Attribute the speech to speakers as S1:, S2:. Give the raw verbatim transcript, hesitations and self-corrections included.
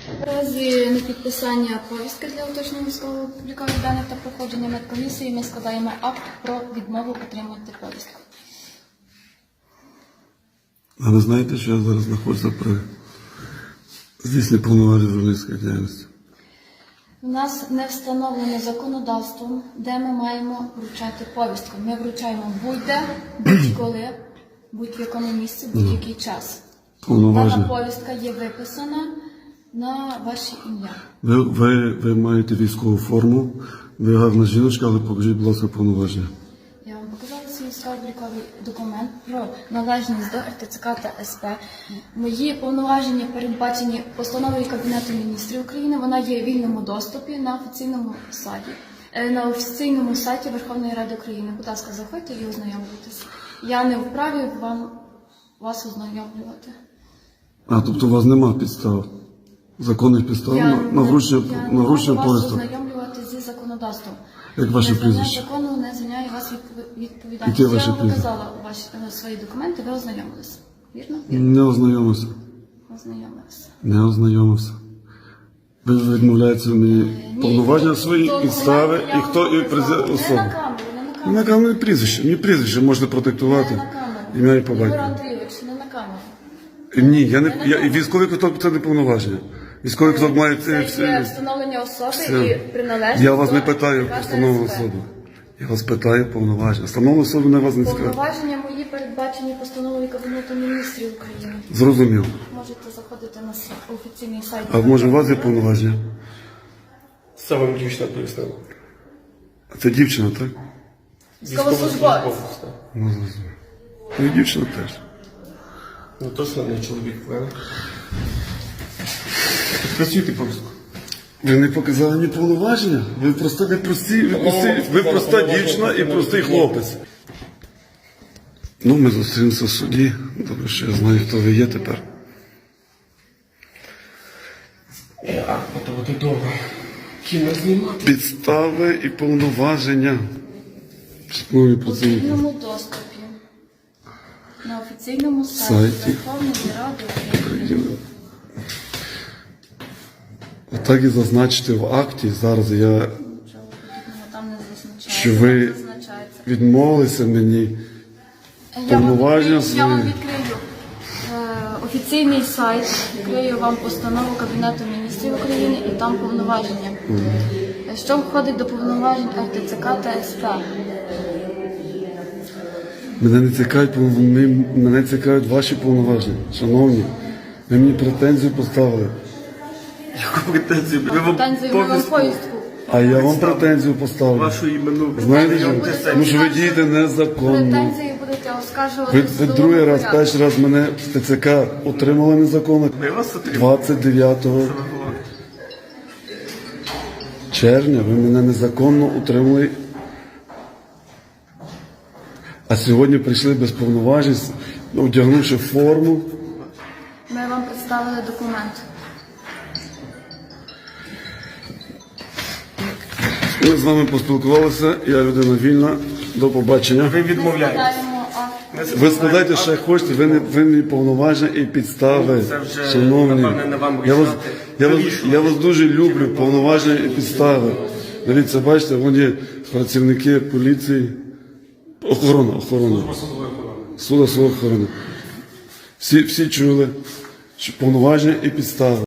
S1: В разі непідписання повістки для уточнення військово-облікових даних та проходження медкомісії ми складаємо акт про відмову отримати повістку.
S2: А ви знаєте, що я зараз знаходжуся при здійсненні повноважень журналістської діяльності?
S1: У нас не встановлено законодавством, де ми маємо вручати повістку. Ми вручаємо будь-де, будь-коли, будь-в якому місці, будь-який час. Дана повістка є виписана на ваше ім'я.
S2: Ви, ви, ви маєте військову форму, ви гарна жіночка, але покажіть, будь ласка, повноваження.
S1: Я вам показала свій військово-обліковий документ про належність до ер те це ка та ес пе. Мої повноваження передбачені постановою Кабінету міністрів України. Вона є в вільному доступі на офіційному сайті. На офіційному сайті Верховної Ради України. Будь ласка, заходьте і ознайомлюйтесь. Я не вправі вам вас ознайомлювати.
S2: А, тобто у вас нема підстав? Законних підстав
S1: Я,
S2: на, на вручення,
S1: я
S2: на вручення
S1: не можу вас
S2: повісток?
S1: ознайомлювати зі законодавством.
S2: Як ваше
S1: Незнання
S2: прізвище?
S1: закону не звільняє вас від відповідальності.
S2: Яке ваше
S1: Я вам
S2: прізвище?
S1: показала ваші е, свої документи, ви ознайомилися. Вірно?
S2: Не ознайомився.
S1: Ознайомилися.
S2: Не ознайомився. Ви відмовляєте мені
S1: Ні,
S2: повноваження свої,
S1: документи
S2: підстави,
S1: я
S2: і
S1: вам
S2: хто і
S1: показала.
S2: президент
S1: Не
S2: особи.
S1: на камеру, не на камеру.
S2: На камері прізвище. Мені прізвище можна продиктувати.
S1: Не на камеру.
S2: Ім'я і по
S1: Ігор
S2: батькові.
S1: Андрійович, не на камеру.
S2: Ні, я не я, і військовий квиток це не повноваження. Військовий квиток має
S1: Це
S2: всі.
S1: є встановлення особи
S2: все.
S1: і приналежність
S2: Я вас
S1: до
S2: не питаю
S1: ка та ес
S2: встановлену
S1: пе.
S2: особу. Я вас питаю повноваження. Встановлену особу не вас не скажу.
S1: Повноваження мої передбачені постановою Кабінету міністрів України.
S2: Зрозумів.
S1: Можете заходити на с- офіційний сайт.
S2: А може у вас є повноваження?
S3: Це вам дівчина пояснила.
S2: Це дівчина, так?
S1: Військовослужбовець.
S3: так.
S2: Ну, зрозумів. Ну і дівчина теж.
S3: Ну точно не чоловік, правильно? Працюйте повістку.
S2: Ви не показали мені повноваження? Ви просто не прості, ви, прості, ви проста дівчина і простий хлопець. Ну, ми зустрінемося в суді. Добре, що я знаю, хто ви є тепер.
S3: А, то буде довго. Кіно знімати.
S2: Підстави і повноваження. Шановні
S1: У
S2: працівники.
S1: вільному доступі. На офіційному сайті
S2: Сайті.
S1: Верховної Ради України.
S2: Отак і зазначити в акті. Зараз я,
S1: Нічого подібного там не зазначається.
S2: що ви
S1: Там зазначається.
S2: відмовилися мені.
S1: Я вам
S2: повноваження
S1: відкрию- Я вам
S2: свої.
S1: відкрию е, офіційний сайт, відкрию вам постанову Кабінету міністрів України і там повноваження. Е, Що входить до повноважень ер те це ка та ес пе?
S2: Мене не цікавить, пов- ми- мене цікавить ваші повноваження. Шановні, ви мені претензію поставили.
S3: Яку претензію? Ви вам
S1: Претензію ми вам
S3: повістку
S1: повістку.
S2: А я вам претензію поставлю.
S3: вашу імену.
S2: Знаєте,
S1: Претензію
S2: що?
S1: будете
S2: Тому що ви
S1: оскаржувати-
S2: дієте незаконно.
S1: Претензії будете оскаржувати
S2: Ви,
S1: в
S2: ви
S1: судовому
S2: другий раз,
S1: порядку.
S2: перший раз мене в те це ка отримали незаконно.
S3: Ми вас отримали.
S2: двадцять дев'ятого червня ви мене незаконно утримали. А сьогодні прийшли без повноважень, одягнувши форму.
S1: Ми вам представили документ.
S2: Ми з вами поспілкувалися, я людина вільна. До побачення.
S3: Ви
S1: Ми
S3: відмовляєтесь.
S1: складаємо акт.
S2: Ви складайте ще хочете, ви не ви не повноваження і підстави.
S3: Це вже,
S2: Шановні,
S3: напевне, не вам
S2: я вас,
S3: рішати.
S2: я, вас,
S3: Вирішувати.
S2: я вас дуже люблю, повноваження і підстави. Дивіться, бачите, вон є працівники поліції, охорона, охорона. Суда судової охорони. Всі, всі чули, що повноваження і підстави.